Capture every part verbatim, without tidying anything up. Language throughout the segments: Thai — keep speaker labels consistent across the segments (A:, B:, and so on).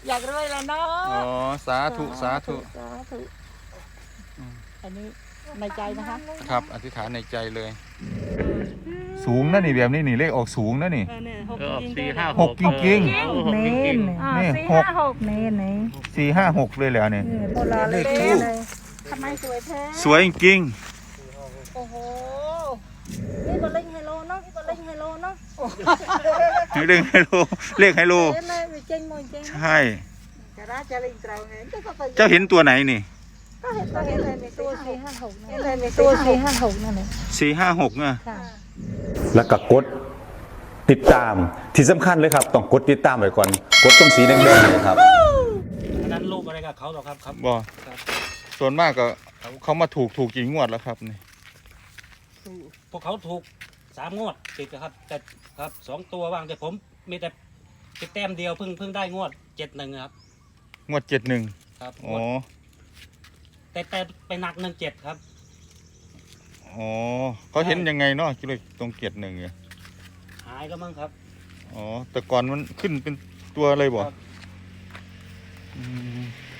A: อยากรวยแล้วเนาะ
B: อ๋อสาธุสาธุ
A: สาธุอันนี้ในใจนะคะ
B: ครับอธิษฐานในใจเลยสูงนะนี่แบบนี้นี่เลขออกสูงนะนี่
C: สี่ห้า
B: หกจริงๆ
C: เมน
B: นี่
A: สี่
B: หก
A: ห้าหก
C: เมนไหน
B: สี่ห้าหกเลยแล้วเนี่ย
A: โบราณเลยเลยทำไมสวยแท้
B: สวยจริง
A: โอ้โหนี่บอลเล่นไฮโลเนาะนี่บอลเล่นไฮโลเนาะ
B: เลขไฮโลเลขไฮโล
A: เล่นเลยเจ๊งมวยเจ๊ง
B: ใช่
A: จะได้จะเล่นเตาไง
B: เจ้าเห็นตัวไหนนี่
A: ก็เห็นตัวเห็นเลยในตัวสี่ห้าหกนั่นเลยในตัวสี่ห้าหกนั่นเลย
B: สี่ห้าหกอ่ะ
A: ค่ะ
D: แล้วก็กดติดตามที่สำคัญเลยครับต้องกดติดตามไว้ก่อนกดตรงสีแดงๆเลยครับ
C: อันนั้นลูกอะไรกับเขาหรอครับครับ
B: บอส่วนมากก็เขามาถูกถูกกี่งวดแล้วครับนี่
C: พวกเขาถูกสามงวดติดครับแต่ครับสองตัวว่างแต่ผมมีแต่ติดแต้มเดียวเพิ่งเพิ่งได้งวดเจ็ดหนึ่งครับ
B: งวดเจ็ดหนึ่ง
C: ครับ
B: อ๋อ
C: แต่แต่ไปหนักหนึ่งเจ็ดครับ
B: อ๋อเขาเห็นยังไงเนาะเลยตรงเจ็ดหนึ่งเนี่ย
C: หายแล้วมั้งครับ
B: อ๋อแต่ก่อนมันขึ้นเป็นตัวเลยบ่
C: ครับ
B: อืม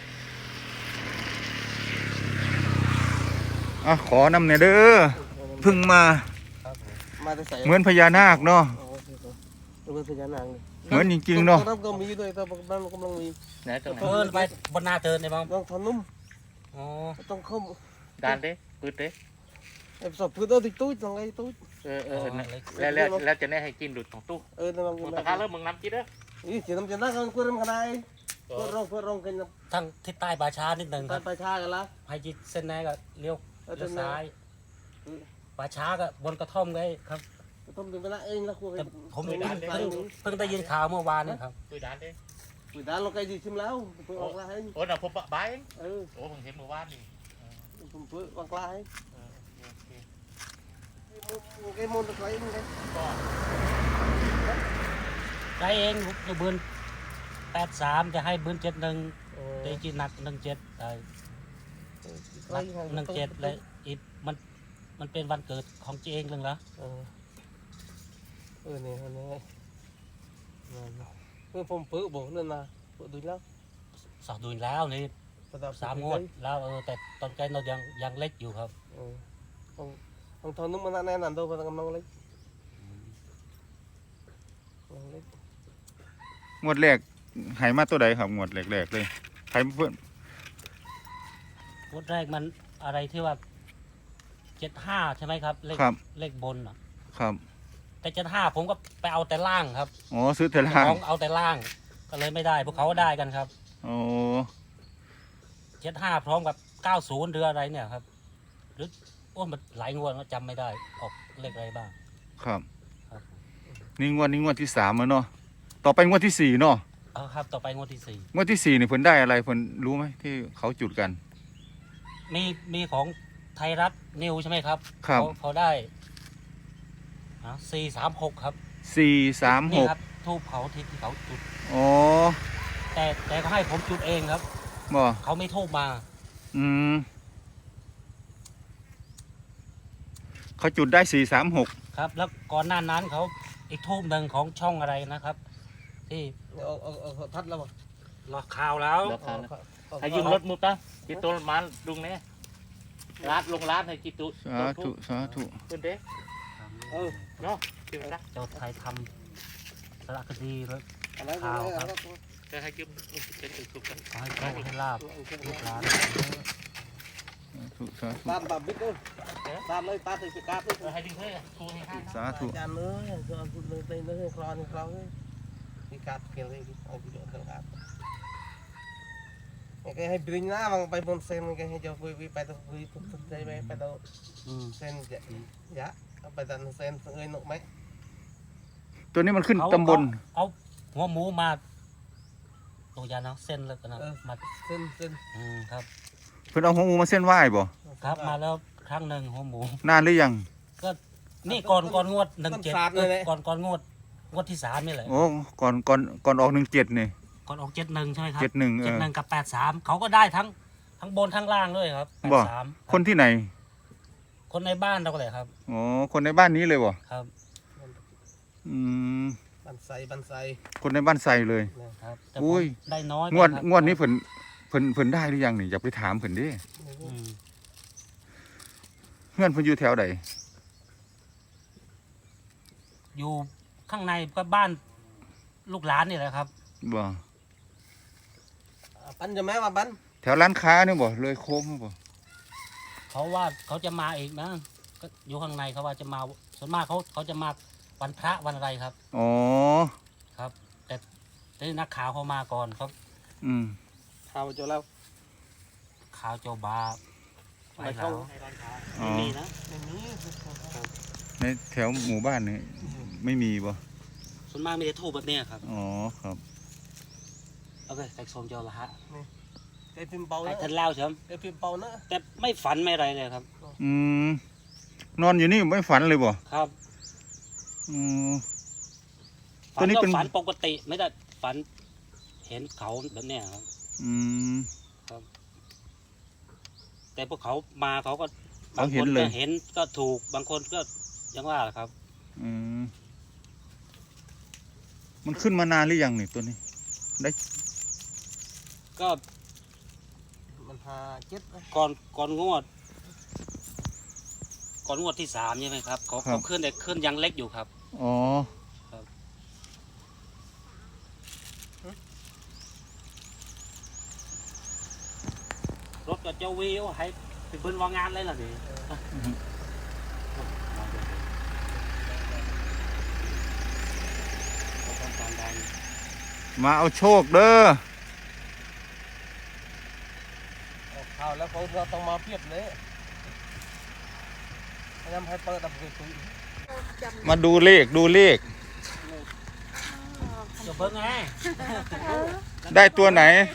B: อ่ะขอนำเนี่ยเด้อเพิ่งมา
E: มาแต่ใส่
B: เหมือนพญานาคเนาะ
E: เหมือนพญานาคเลย
B: เหมือนจริงๆเนาะ
E: ตรงนั้นก็มีด้วยแต่บ้านกำลังมี
F: ไหนตรงไหน
C: เพิ่นไปบนหน้าเทินในบ้าง
E: ต้องทำนุ่ม
C: อ๋อ
E: ต้องเข้า
F: ดานเด้ปืดเด้
E: ไอ้สอบพื้นเอาติดตู้ตรงไอ้ตู้
F: เออเออแล้วแล้วแล้วจะได้ให้กินดูดของตู้
E: เออนั่นมัน
F: มึงตะการเริ่มมึงน้ำกินเด้อ
E: นี่เสียน้ำจะนั่งกันคุยกันกันได้เพื่อรองเพื่อรองกัน
C: ทั้งทิศใต้บาช้านิดหนึ่งค
E: ตา
C: รับ
E: ไปชากันละ
C: ให้จิตเส้นไหนก็เลี้ยว
E: เออ
C: เลี้ยว
E: เส้นไหน
C: ซ้ายบาช้าก็บนกระท่อมไงครับ
E: ต้องดึงไปละเองละคุย
C: แต่ผม
E: เพิ่
C: เพิ่งเพิ่งได้ยินข่าวเมื่อวานนี่ครับ
F: คุยดานเด้
E: คุยด้านเราใกล้ดีชิมแล้วเพื่อออกละให้
F: โอ้น่ะผมบะบาย
E: เออ
F: โอ้ผมเห็นเมื่อวานนี่
E: ผมเพื่อออกละให้
F: เออโอเค
E: ไอ้มนตะไคร้มึงไง
C: ได้เองจะเบือนแปดสามจะให้เบือนเจ็ดหนึ่งแต่จีหนักหนึ่งเจ็ดได้หนักหนึ่งเจ็ดเลยอีกมันมันเป็นวันเกิดของจีเองเลยเหรอ
E: เออเออเนี่ยเนี่ยเพื่อผมเพื่อบอกนั่นนะเพื่อดูแล้ว
C: สอบดูแล้วนี่สามงวดแล้วเออแต่ตอนใจเรายังยังเล็กอยู่ครับ
E: เออต้องต้องทนนึกมันแน่นอนตัวมันกำลังเล็กเล็ก
B: งวดแรกหายมาตัวใดครับงวดแรกๆเลยใครเพื่อน
C: งวดแรกมันอะไรที่ว่าเจ็ดห้าใช่ไหมครับเลข
B: ครับ
C: เลขบนอ่ะ
B: ครับ
C: แต่เจ็ดห้าผมก็ไปเอาแต่ล่างครับ
B: อ๋อซื้อแต่ล่าง
C: ของเอาแต่ล่าง ก็เลยไม่ได้พวกเขาก็ได้กันครับ
B: โอ้
C: เจ็ดห้าพร้อมกับเก้าศูนย์หรืออะไรเนี่ยครับ หรือโอ้มันหลายงวดแล้วจำไม่ได้ออกเลขอะไรบ้าง
B: ครับ
C: ครับ
B: นี่งวดนี้งวดที่สามแล้วเนาะต่อไปงวดที่สี่เนาะ
C: เอาครับต่อไปงวดที่สี่
B: งวดที่สี่นี่เพิ่นได้อะไรเพิ่นรู้ไหมที่เขาจุดกัน
C: มีมีของไทยรัฐนิวใช่ไหมครับ
B: ครับ
C: เขาเขาได้สี่สามหกครับ
B: สี่สามห
C: นี่
B: ก
C: ครับทูบเขาที่ที่เขาจุด
B: อ๋อ
C: แต่แต่เขาให้ผมจุดเองครับ
B: บ่
C: เขาไม่ทูบมา
B: อืมเขาจุดได้สี่สามหก
C: ครับ แล้วก่อนหน้านั้นเขาอีกทูบหนึ่งของช่องอะไรนะครับ ที่
E: เอาเอาเอาทัดแล้วป่ะ
C: หลอกข่าวแล้ว
F: แล้วกันให้ยืมรถมุดนะจิตตุลมาดุงเนี่ยร้านลงร้านให้จิตตุ
B: สาธุสาธุ
F: ปืดเด้
E: เออ
F: เนาะคิดว่า
C: เจ้าไทยทำสารคดีแล้ว
E: อะไร
C: ข่าวครับ
F: จะให้ยืมเป็นสุกกัน
C: ขอให้โชคให้ลาบลูกหลาน
B: สาธุสาธุ
E: ตามแบบบิ๊กเลยตามเลยตามติดกราฟเลย
F: ให้ดึงให้ครูให้ห้า
B: สาธุ
E: จานเลยจานพูดเลยเต้นเลยคลอนคลอนเลยมีการเกี่ยวเลยเอาไปโดนกันครับไงให้บินหน้าบางไปบนเส้นไงให้เจ้าคุยไปต้องคุยทุกใจไปไปต้อง
C: อืม
E: เส้นจะยะไปดันเส้นเอ้ยนกไหม
B: ตัวนี้มันขึ้น
C: เขา
B: ตำบล
C: เอาหัวหมูมาตัวยาเนาะเส้นแล้วกันนะมา
E: เส้นเส้น
C: อืมครับ
B: เพิ่นเอาหัวหมูมาเส้นไหว้บ่
C: ครับมาแล้วครั้งหนึ่งหัวหมู
B: นานหรือยัง
C: ก็นี่ก่อนก่อนงวดหนึ่งเจ็ดก่อนก่อนงวดงวดที่สามนี่แหละ
B: โอ้ก่อนก่อนก่อนออกหนึ่งเจ็ดนี่
C: ก่อนออกเจ็ดหนึ่งใช่ไหมครับ
B: เจ็ดหนึ่งเอ
C: เจ็ด
B: อ
C: หนึ่งกับแปดสามเขาก็ได้ทั้งทั้งบนทั้งล่างด้วยครับแปด
B: บ่
C: สาม
B: คนที่ไหน
C: คนในบ้านเราก็เลยครับ
B: อ๋อคนในบ้านนี้เลยบ่
C: ครับ
B: อืม
E: บันไซบันไซ
B: คนในบ้านไซเลย
C: ครับแต่
B: อุ้
C: ผม
B: ย
C: ได้น้อย
B: งวด
C: ไปครับ
B: งวดนี้เพิ่นเพิ่นเพิ่นได้หรือยังนี่อย่าไปถามเพิ่นดิ
C: อืม
B: เพื่อนเพิ่นอยู่แถวใด
C: อยู่ข้างในก็บ้านลูกหลานนี่แหละครับ
B: บ่
E: ปันจะแม่ว่าปัน
B: แถวร้านค้าเนี่ยบ่เลยโค้งบ่
C: เขาว่าเขาจะมาอีกนะก็อยู่ข้างในเขาว่าจะมาส่วนมากเขาเขาจะมาวันพระวันอะไรครับ
B: อ๋อ
C: ครับ แต่ที่นักข่าวเขามาก่อนเขา
B: อืม
E: ข่าวเจอแล้ว
C: ข่าวโจบาไป
E: ไม่
C: แล้
E: เข้า
C: ว
B: อ๋อ
C: ไม่มีนะ
E: ไม่มี
B: ในแถวหมู่บ้านนี่ไม่มีบ่
C: ส่วนมากมีแต่ทูบแบบเนี้ยครับ
B: อ๋อครับ
C: โอเคแต่สมเจ้าละฮะ
E: ไอ้พิมพ์เปา
C: ไอ้
E: นะ
C: ท่านเล่าใช่ไหม
E: ไอ้พิมพ์เปานะ
C: แต่ไม่ฝันไม่อะไรเลยครับ
B: อืมนอนอยู่นี่ไม่ฝันเลยบ่
C: ครับ
B: อืม ตั
C: ฝั
B: วน นี้
C: ก็
B: เป็น
C: ฝันปกติไม่ได้ฝันเห็นเขาแบบเนี้ยครับ
B: อืม
C: แต่พวกเขามาเขาก็
B: เขา
C: บาง
B: เห็
C: คน น
B: เล
C: ก็
B: ย
C: เห็นก็ถูกบางคนก็ยังว่าแหละครับ
B: อืมมันขึ้นมานานหรือยังนี่ตัวนี้ ได้
C: ก็
E: มันพาเจ็ดนะ
C: ก่อนก่อนงวด ก่อนงวดที่สามใช่ไหมครับเขาเขาขึ้นแต่ขึ้นยังเล็กอยู่ครับ
B: อ๋อ
C: รถกับเจ้าวิวให้ไปเบิ้ลวางงานเลยล่ะนี่เขาต้องการดัง
B: มาเอาโชคเด้อ
E: ออกข่าวแล้วเขาเราต้องมาเพียบเลยพยายามให้เปิดดับคุยคุย
B: มาดูเลขดูเลข
C: จะเบิ้งไง
B: ได้ตัวไหน
C: เออ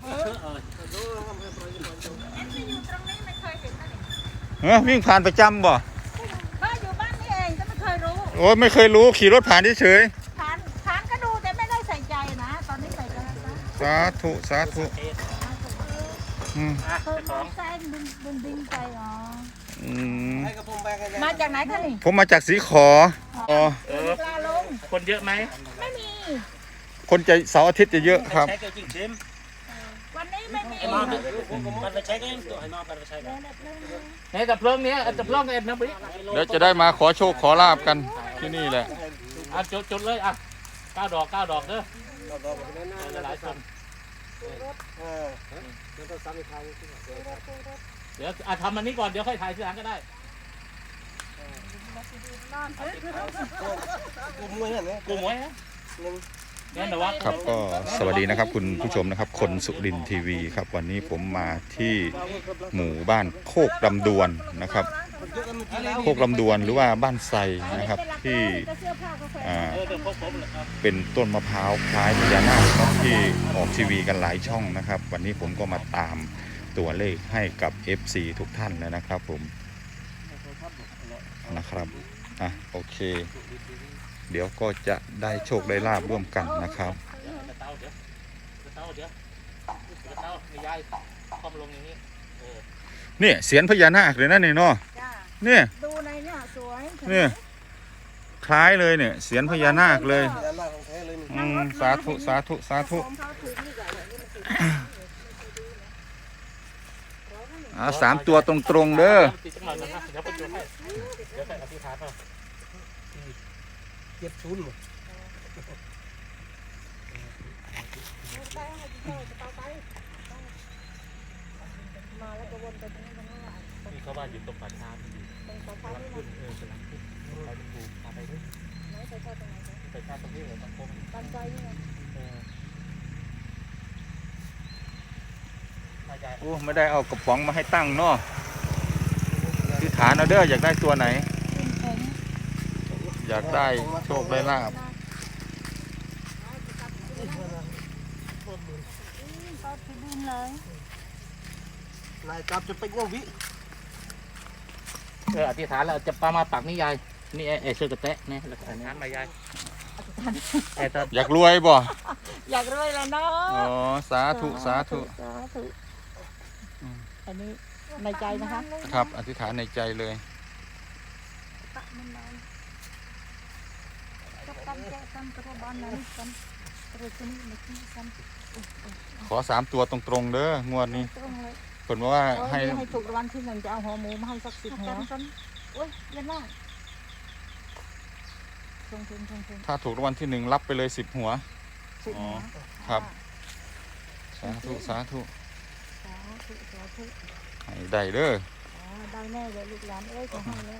A: อยู่ตรงนี้ไม่เคยเห็นนะนี่
B: เฮ้ยวิ่งผ่านประจำบ่
A: บ้านอยู่บ้านนี่เองก็ไม่เคยรู้
B: โอ้ยไม่เคยรู้ขี่รถผ่านเฉย
A: ผ่านผ่านก็ดูแต่ไม่ได้ใส่ใจนะ ตอนนี้ใส่ใจแล้วนะ
B: ๆสาธุสาธุอืม
C: อ่ะ
A: เพิ่ม
C: เจ้าของ
A: แซงบินบินบินไปอ๋อ
B: อืม
E: ให้กระพงแบงกัน
A: มาจากไหนคะนี่
B: ผมมาจากสีขออ๋อ
F: เออ
A: ปลาลง
F: คนเยอะไหม
A: ไม่มี
B: คนจะเสาร์อาทิตย์จะเยอะครับ
C: ใช้ก็จริงเต็ม
A: วันนี้ไม่มี
C: ไอ้มอมมันไปใช้กันตัวไอ้มอมมันไปใช้กัน
F: ในดับเพลิงเนี้ยดับเพลิงเอ็ดนะพี่
B: เดี๋ยวจะได้มาขอโชคขอลาบกันที่นี่แหละ
F: อ่ะจุดจุดเลยอ่ะเก้าดอกเก้าดอกเด้อหลายคน
E: เออ
F: เดี๋ยวอ่ะทำอันนี้ก่อนเดี๋ยวค่อยถ่ายทีหลังก็ได้
E: กูมวยเห็นไหม
F: กูหมวยฮะ
E: หนึ่ง
F: งั้นเดี๋ยวว่า
B: ครับก็สวัสดีนะครับคุณผู้ชมนะครับ คนสุรินทร์ทีวีครับ วันนี้ผมมาที่หมู่บ้านโคกลำดวนนะครับ
E: เยอะกันเมื่อกี้แล้ว
B: โคกลำดวนหรือว่าบ้านไทรนะครับที่
A: เสื้อผ้าก็แฟ
B: อ่า
F: เออเดี๋ยวพวกผมเลยครับ
B: เป็นต้นมะพร้าวคล้ายพญานาคครับที่ออกทีวีกันหลายช่องนะครับ วันนี้ผมก็มาตามตัวเลขให้กับ เอฟ ซี ทุกท่านแล้วนะครับผมนะครับอ่ะโอเค เดี๋ยวก็จะได้โชคได้ลาบร่วมกันนะครับ
F: เดี๋ยวกระเต้าเดี๋ยวกระเต้าเดี๋ยวกระเต้ามียายคอมลงอย่างนี้เออ
B: เนี่ยเสียนพญานาคเลยนะเนี่ยเนาะ
A: จ้า
B: เนี่ย
A: ดูในเนี่ยสวย
B: เนี่ยคล้ายเลยเนี่ยเสียนพญานาคเลย
E: พญานาคของแท้เลยนี่
B: อืมสาธุสาธุสาธุ
A: ผมเขาถือนี่ก่อนนี่มันติด
B: อ่าสามตัวตรงๆเด้อ
F: ติดจังหวะนะครับเดี๋ยวผมดูให้เดี๋ยวใส่อธิษฐานเอา
E: เจ็ดศูนย์หมด
A: มาแล้วก็วนไปตรงนี้ตรงนั้นแหละ
F: นี่เขาว่าอยู่ตรงป่าช้าที่อยู่
A: ตรงปลาคาร์ฟ
F: ขึ้
A: นี่
F: นเออกำลังขึ้นไปดูพาไปด้วย
A: ไหนใส่ชาตรงไหนคะ
F: ไปชาติตรงนี้เลยตรงโค้ง
A: บ้านใจนี่ไง
F: เออมายาย
B: โอ้ไม่ได้เอากระป๋องมาให้ตั้งเนาะที่ฐานเอาเด้ออยากได้ตัวไหน
A: ขึ้นผม
B: อยากได้โชคได้ลาบ
A: ก็ถือดินเลย
E: นายจับจะเป็นยังวิ
F: เอออธิษฐานแล้วจะปามาปักนี่ยายนี่ไอ้ไอ้เสื้อกระแตะเนี่ยแล้วก็อันนั้นมายายไอ้ตอน
B: อยากรวยบ่
A: อยากรวยแล้วเนาะ
B: อ๋อสาธุสาธุ
A: สาธุอันนี้ในใจนะคะ
B: ครับอธิษฐานในใจเลย
A: ตักมันนานกันแกกันตะบานนั้นกันตะกุนี่มาที่กัน
B: ขอสามตัวตรงๆเด้องวดนี้
A: ตรงเลย
B: ผลว่า
A: โอ้ย
B: ให้
A: ให้ถูกรางวัลที่หนึ่งจะเอาหัวหมูมาให้สักสิบหัวกันโอ้ยเย็นมากชงชงชงชง
B: ถ้าถูกรางวัลที่หนึ่งรับไปเลยสิบหัว
A: สิบหัว
B: ครับ สาธุสาธุ
A: สาธุสาธุ
B: ให้ได้เด้อ
A: อ๋อได้แน่เลยลูกหลานเอ้ยจะให้แล้ว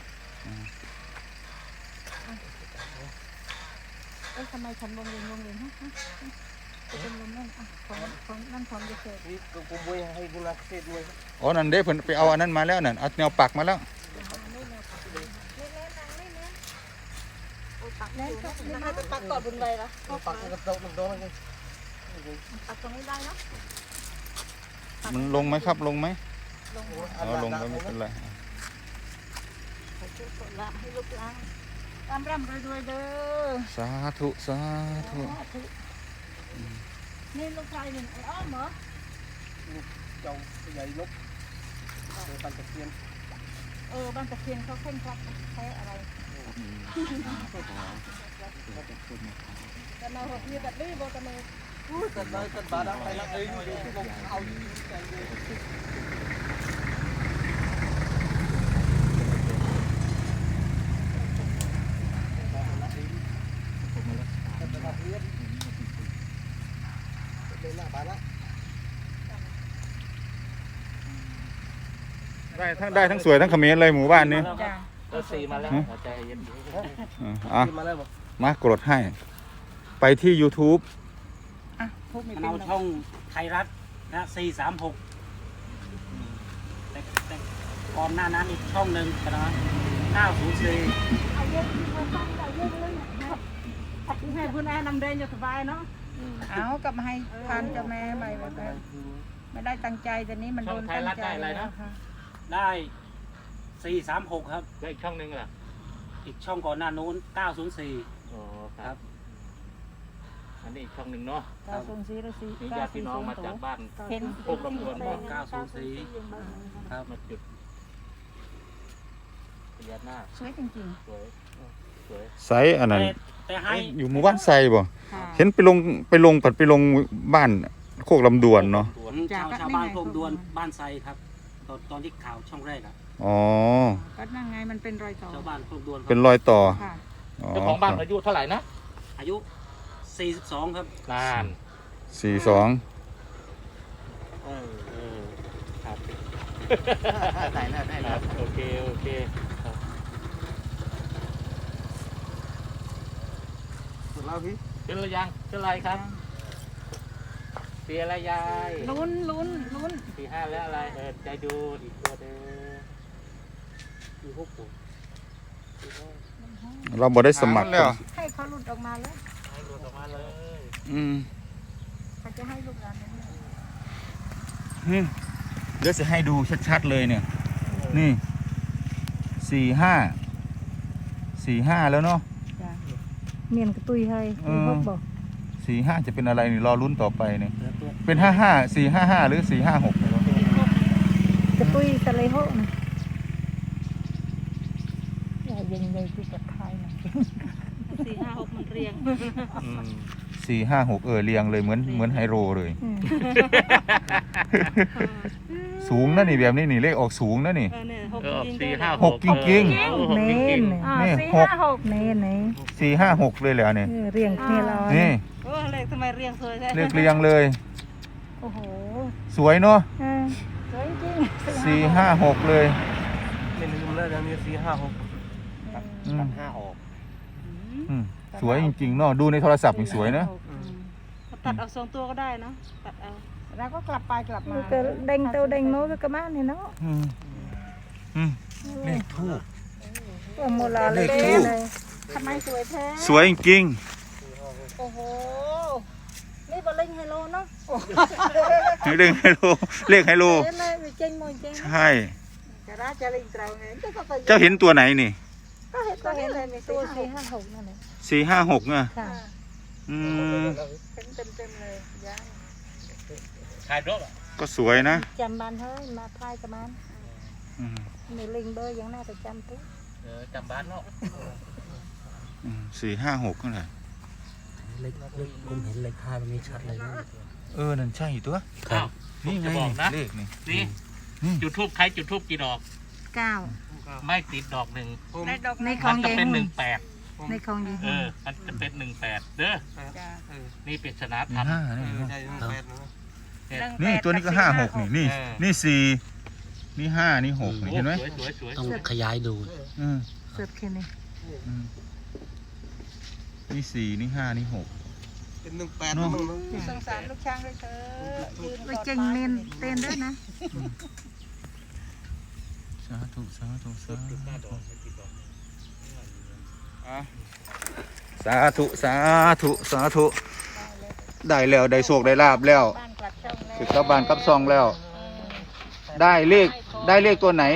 A: เอ้ยทำไมฉันวงเวียนวงเวียนฮะฮะจะเป็นลมนั่นอ่ะของของนั่นของจะเกิด
E: นี่กูกูบุยให้กูนักเทศด้วย
B: อ๋อนั่นเด้เพิ่นไปเอาอันนั้นมาแล้วนั่นเอาแนวปักมาแล้ว
A: แน่นก็ไม่ให้ไปปักก่อนบนใบละ
E: ปักกระโดดกระโดดเลย
A: ปักตรงนี้ได้เนาะ
B: มันลงไหมครับลงไหม
A: ลง
B: เอาลงก็ไม่เป็นไร
A: ขอช่วยกดละให้ลูกหลานร่ำร่ำรวยรวยเด้อ
B: สาธุสาธุ
A: นี่ลูกชายหนึ่งไอ้อ้อมเหรอ
E: เจ้าใหญ่ลุกเดินปันตะเกียน
A: เออบ้านตะเคียนเขาเข่งครัดใช้อะไรแต่เราเรียแบบนี้บอกกันเลย
E: ตัดเลยตัดบาดไปละเองลงเอาใจเลยเลยละบาดละ
B: ได้ทั้งได้ทั้งสวยทั้งเขมรเลยหมู่บ้านนี้
A: จ้า
F: ก็สีมาแล้วหัวใจเย็น
B: อ่ะอ่ะ
E: มาแล้วบอก
B: มากดให้ ไปที่ YouTube
A: อ่ะพวกมี
C: มัน
A: เป็น
C: เอาช่องไทยรัฐนะสี่สามหกแต่แต่ก่อนหน้านั้นอีกช่องหนึ่งนะเก้าศูนย์สี่
A: เอาเยอะมาตั้งเอาเยอะเลยให้เพื่อนแอนนำเดินอยู่สบายเนาะเอากลับมาให้ทานเจ้าแม่ใหม่แบบไม่ได้ตั้งใจแต่นี้มันโดนตั้งใจแล้วค่ะ
C: ได้สี่สามหกครับ
F: แล้วอีกช่องหนึงล่ะ
C: อีกช่องก่อนหน้านู้นเก้าศูนย์สี่
F: อ๋อครับอันนี้อีกช่องหนึ่งเนาะ
A: เก้าศูนย์สี่หรือสี่
F: นี่
A: เก้า
F: ญาติ
A: สี่
F: พี่น้อง
A: ศูนย์
F: มาจากบ้าน
A: เห็น
F: พวกลำดวนบอก
C: เก้าศูนย์สี่ครับ
F: มาจุดพญานาค
A: สวยจริง
F: สวยสวย
B: ไซอันนั้น
C: แต่แต่ให้
B: อยู่หมู่บ้านไซบ่
A: ๆค่ะ
B: เห็นไปลงไปลงปัดไปลงบ้านโคกลำดวนเนาะ
C: ชาวชาวบ้านโคกดวนบ้านไซครับ ตอนตอนที่ข่าวช่องแรกอะ
B: อ๋อ
A: ก็นั่งไงมันเป็นรอยต่อ
C: ชาวบ้านโคกดวนค
B: เป็น
C: รับ
B: รอยต่อ
A: ค่ะ
B: อ๋อ
F: เจ้าของบ้านอายุเท่าไหร่นะ
C: อายุสี่สิบสองครับ
F: นาน
B: สี่สอง
F: เออเออครับ
E: ได้แล้วได้
F: ค
E: แล้
F: รั
E: ว
F: บโอเคโอเคครับ
E: สุดแล้วพี่
F: เป็นอะไรยังเป็นอะไรครับปีอะไรยาย
A: ลุ้นลุ้นลุ้น
F: ปีห้าแล้วอะไรเออใจดูอีกตัวเด้อมีหกตัว
B: เราบ่ได้สมัครแล้ว
A: ให้เขาหลุดออกมาแล้ว
F: ให้หลุดออกมาเลย
B: อืม
A: เขาจะให้ลูกหลานเนี่ย
B: อืมเดี๋ยวจะให้ดูชัดๆเลยเนี่ย นี่สี่ห้าสี่ห้าแล้วเนาะ
A: จ้ะเมียนกระตุยให้
B: เออ
A: พวกบอก
B: สี่ห้าจะเป็นอะไรนี่รอลุ้นต่อไปเนี่ย
C: เหลือตัว
B: เป็นห้าห้าสี่ห้าห้าหรือสี่ห้าหก
A: กระตุยสะเลยโหนะอย่าเย็นเลยที่กระทายหน่อยสี่ห้าหกมันเรียง
B: สี่ห้าหกเออเรียงเลยเหมือนเหมือนไฮโรเลย สูงนะนี่แบบนี้นี่เลขออกสูงนะนี่
A: เออเนี่ยหก
F: เออสี่ห้า
B: หกจริง
F: ๆ
A: เน้น
B: นี่
A: สี่
B: หก
A: ห้าหกเน้นเน้น
B: สี่ห้าหกเลยเหรอเนี่ย
A: เรียงเนี่ยเรา
B: นี่
A: โอ้เลขทำไมเรียงสวยแท้
B: เลขเรียงเลย
A: โอ้โห
B: สวยเนาะ
A: เออสวยจริง
B: สี่ห้าหกเลย
E: ไม่ลืมแล้วนะมีสี่ห้าหก
B: อืม
F: ห้าออก
B: อืมสวยจริงๆเนาะดูในโทรศัพท์นี่สวยนะ
G: ตัดเอาสองตัวก็ได้เนาะตัดเอา
A: แล้วก็กลับไปกลับมาก็เด้งเต้าเด้งโน้ตก็มาเนี่ยเนาะ
B: อืมอืมเลขทูบ
A: ตัวโมลาเลย
B: เลขทูป
A: เลยทำไมสวยแท้
B: สวยจริง
A: โอ้โหนี่บอลเล่นไฮโลเนาะ
B: ๆเลขไฮโลเลขไฮโล
A: เล่นเลยเจ๊งมวยเจ๊ง
B: ใช่
A: จะได้จะเล่นเตาไงก็ก็
B: เจ้าเห็นตัวไหนนี่
A: ก็เห็นก็เห็นเลยมีตัวสี่ห้าหกนั่นแหละ
B: สี่ห้าหกอ่ะ
A: ค่ะ
B: อืม
A: เต็มเต็มเต็มเลยยัง
F: ถ่ายรูปอ่ะ
B: ก็สวยนะ
A: จำมันเฮ้ยมาทายกับมัน
B: อืม
A: ในลิงเบอร์ยังน่าจะจำตัว
F: เออจำบ้านเนาะ
B: อืมสี่ห้าหกเท่าไหร่
C: เลขเลขผมเห็นเลขห้าตรงนี้ชัดเลยนะ
B: เออนั่นใช่ตัว
C: ครับ
B: นี่ไง
F: จะบอกนะ
B: เลขนี่
F: นี่
B: นี่
F: จุดทูบใครจุดทูบกี่ดอก
G: เก้า
F: ไม่ติดดอกหนึ่ง
E: ผม
G: ในดอกในข
F: มั
G: อน ง
F: จะ
G: ยาย
F: เป็นห
G: หุ่
F: นึ่
G: น
F: งแปด
G: ในของยาย
F: เอ
G: หุ่น
F: อมันจะเป็นหนึ่งแปดเด้อ
G: จ้า
E: เออ
F: นี่ปริศนา
B: ห
F: ธรร
B: นึ่
F: ม
B: งห้า
E: เอ
B: นี่
E: อ
B: เนาะ
E: ใช่หนึ่งแปดนะ
F: เนี่ย
B: นี่ตัวนี้ก็ห้าหกนี่นี่
F: เออ
B: นี่สี่นี่ห้านี่หกนี่
F: โอ้
B: เห็นไหม
F: สวยสวยสวย
C: ต้องขยายดู
B: อืม
G: เสิร์ฟแค่นี้
B: อืมนี่สี่นี่ห้านี่หก
E: เป็นหนึ่งแปดนะมึงนะ
A: สงสารลูกช้างด้วยเถอะยืน
G: ไปเจงเมนเต้นด้วยนะ
B: สาธุสาธุสาธุอ่ะสาธุสาธุสาธุได้แล้วได้โชคได้ลาบแล้ว
A: บ้านกลับช่องแล้ว
B: ถึงกลับบ้านกลับซองแล้ว ได้เลขได้เลขตัวไหน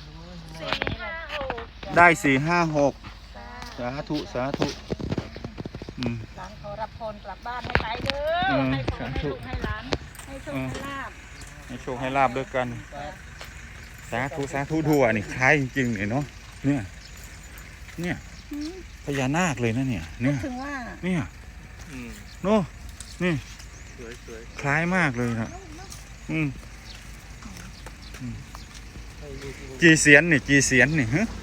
B: ได้สี่ห้าหกสาธุสาธุอืม
A: หลานขอรับพรกลับบ้านให้ไปเด้อ
B: อืม
A: ให้พร
B: สา
A: ให้
B: ธุ
A: ลูกให้หลานให้โชคให้ลาบ
B: ให้โชคให้ลาบด้วยกัน สาธุสาธุดูอ่ะนี่คล้ายจริงๆเนี่ยเนาะเนี่ยเนี่ยพญานาคเลยนะเนี่ยเนี่ย
A: ถึงว่า
B: เนี่ย
F: อืม
B: โน่นี่
F: สวยสวย
B: คล้ายมากเลยนะอืมอืมกี่เสียนนี่กี่เสียนนี่ฮะ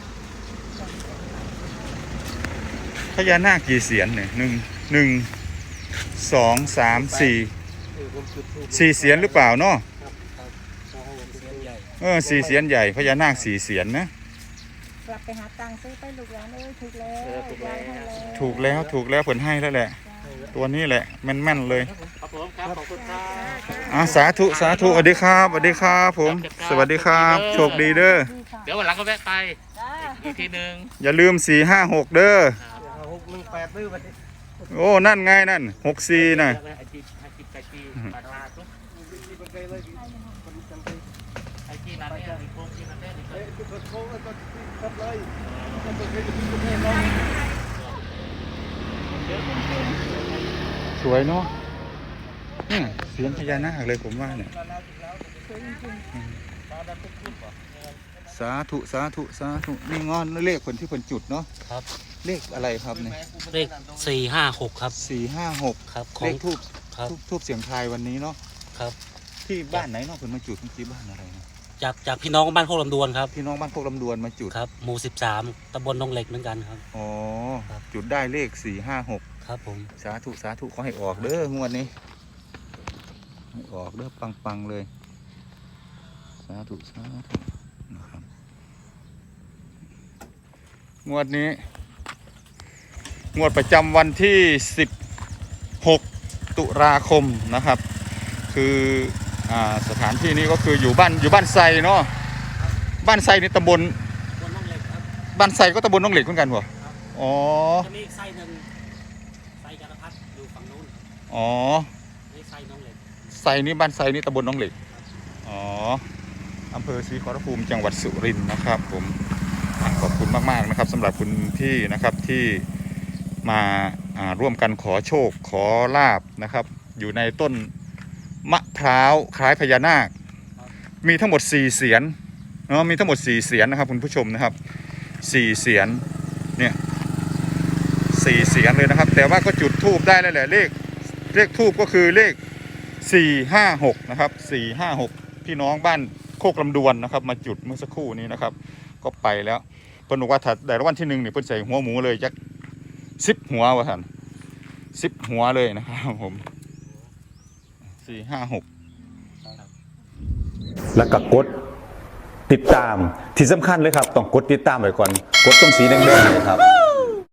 B: พญานาคกี่เสียนนี่หนึ่งหนึ่งสองสามสี่
E: เออผมจุดทูบ
B: สี่เสียนหรือเปล่าเนาะ
E: ครับครับสองเสียงใหญ่
B: เออสี่เสียนใหญ่พญานาคสี่เสียนนะ
A: กลับไปหาตังค์ซื้อไปลูกหลานเอ้ยถูกแล้วยายให้แล้ว
B: ถูกแล้วถูกแล้วผลให้แล้วแหละ ตัวนี้แหละแม่นๆเลย
F: ครับผมครับขอบคุณครับ
B: อ่าสาธุสาธุสวัสดีครับสวัสดีครับผม สวัสดีครับ โชคดีเด้อ
F: เดี๋ยววันหลังก็แวะไป
A: จ้า
F: อีกทีหนึ่ง
B: อย่าลืมสี่ห้าหกเด้อ
E: หกหนึ่งแปดดื้อไป
B: โอ้นั่นไงนั่นหกสี่น่ะ
F: ไอจีไอจีไอจีปานาทุก
E: ที่มันไกลเลยคนจังเลย
F: ไอจีนั่นเนี่ยมีโค้งจีนั่นเนี่ย
E: เอ้ยจุดโค้งแล้วก็ตัดเลยมันเป็นแค่จุดจุดเองเนาะ
B: สวยเนาะเนี่ยเสียงพญานาคเลยผมว่าเนี่ยสาธุสาธุสาธุนี่งอนเลขคนที่คนจุดเนาะ
C: ครับ
B: เลขอะไรครับเนี่ย
C: เลขสี่ห้าหกครับ
B: สี่ห้าหก
C: ครับขอ
B: เล
C: ง
B: ขทูบ
C: ครับ
B: ทูบทูบเสียงทายวันนี้เนาะ
C: ครับ
B: ที่บ้านไหนเนาะคนมาจุดเมื่อกี้บ้านอะไรนะ
C: จากจากพี่น้องบ้านโคกลำดวนครับ
B: พี่น้องบ้านโคกลำดวนมาจุด
C: ครับหมู่สิบสามตำบลหนองเหล็กเหมือนกันครับ
B: อ๋อ
C: ครับ
B: จุดได้เลขสี่ห้าหก
C: ครับผม
B: สาธุสาธุขอให้ออกเด้องวดนี้ให้ออกเด้อปังปังๆเลย สาธุสาธุนะครับงวดนี้ งวดประจำวันที่สิบหกตุลาคมนะครับ คืออ่าสถานที่นี้ก็คืออยู่บ้านอยู่บ้านไซเนาะบ้านไซนี่ตำบล
C: ตำบลหนองเหล็กครับ
B: บ้านไซก็ตำบลหน้องเหล็กเหมือนกันเหรออ๋อ
C: จะมีอีกไส้หนึ่งไส้จารพัดอยู่ฝั่งนู้น
B: อ๋อ
C: นี่ไส้หนองเหล็ก
B: ไซนี่บ้านไซนี่ตำบลหน้องเหล็ก อ๋อ อำเภอศรีขอรภูมิจังหวัดสุรินทร์นะครับผมอ่ะขอบคุณมากๆนะครับสำหรับคุณพี่นะครับที่มาอ่าร่วมกันขอโชคขอลาบนะครับ อยู่ในต้นมะพร้าวคล้ายพญานาค มีทั้งหมดสี่เสียนเนาะมีทั้งหมดสี่เสียนนะครับคุณผู้ชมนะครับสี่เสียนเนี่ยสี่เสียนเลยนะครับ แต่ว่าก็จุดธูปได้แล้วแหละเลขเลขธูปก็คือเลขสี่ห้าหกนะครับสี่ห้าหกพี่น้องบ้านโคกลำดวนนะครับ มาจุดเมื่อสักครู่นี้นะครับ ก็ไปแล้วเพิ่นบอกว่าถ้าได้รางวัลที่หนึ่งเนี่ยเพิ่นใส่หัวหมูเลยจักสิบหัววะท่านสิบหัวเลยนะครับผมสี่ห้าหก
D: แล้วก็กดติดตามที่สำคัญเลยครับ ต้องกดติดตามไว้ก่อน กดตรงสีแดงๆเนยครับ